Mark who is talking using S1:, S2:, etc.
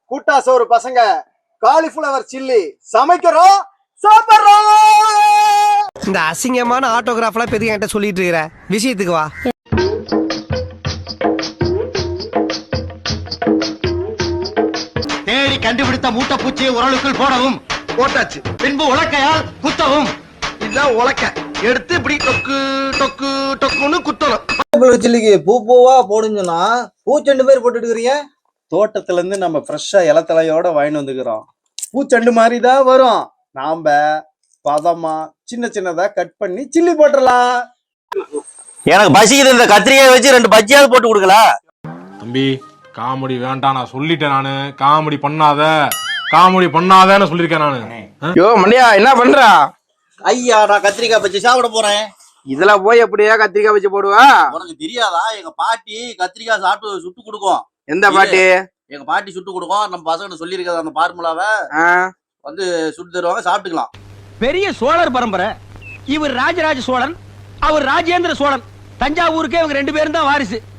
S1: கூட்டா சோறு பசங்க காலிஃபிளவர் சில்லி சமைக்கிறோம் சாப்பிடுறோம்.
S2: இந்த அசிங்கமான ஆட்டோகிராஃப்லாம் பெரிய என்கிட்ட சொல்லிட்டு இருக்கிற விஷயத்துக்கு வா.
S3: தேடி கண்டுபிடித்த மூட்டை பூச்சியை உரலுக்குள் போடவும்.
S1: போட்டாச்சு.
S3: பின்பு உலக்கையால் குத்தவும்.
S1: இதுதான் உலக்க எடுத்து இப்படி டொக்கு டொக்கு டொக்குன்னு குத்தணும்.
S4: சில்லிக்கு பூ பூவா போடுங்கன்னா பூச்செண்டு பேர் போட்டுட்டு இருக்கிறீங்க.
S1: தோட்டத்துல இருந்து நம்ம ஃப்ரெஷ்ஷா இலத்தலையோட வாங்கிட்டு வந்துக்கிறோம். பூச்செண்டு மாதிரி தான் வரும். நாம பதமா சின்ன சின்னதா கட் பண்ணி சில்லி போட்டுடலாம்.
S3: எனக்கு பசிக்குது, இந்த கத்திரிக்காய் வச்சு 2 பஜ்ஜியாவது போட்டு கொடுக்கல.
S5: தம்பி காமெடி வேண்டாம், நான் சொல்லிட்டேன். நானு காமெடி பண்ணாதன்னு சொல்லிருக்கேன் நானு.
S6: யோ மண்டியா என்ன பண்றா?
S3: ஐயா நான் கத்திரிக்காய் பஜ்ஜி சாப்பிட போறேன்.
S6: இதுல போய் எப்படியா கத்திரிக்காய் வச்சு போடுவா?
S3: உனக்கு தெரியாதா? எங்க பாட்டி கத்திரிக்காய் சாப்பிட்டு சுட்டு கொடுக்கும்.
S6: எந்த பாட்டி?
S3: எங்க பாட்டி சுட்டு கொடுக்கும். நம்ம பசங்க சொல்லியிருக்காது அந்த பார்முலாவை வந்து சுட்டு தருவாங்க, சாப்பிட்டுக்கலாம்.
S7: பெரிய சோழர் பரம்பரை. இவர் ராஜராஜ சோழன், அவர் ராஜேந்திர சோழன். தஞ்சாவூருக்கே இவங்க 2 பேரும் தான் வாரிசு.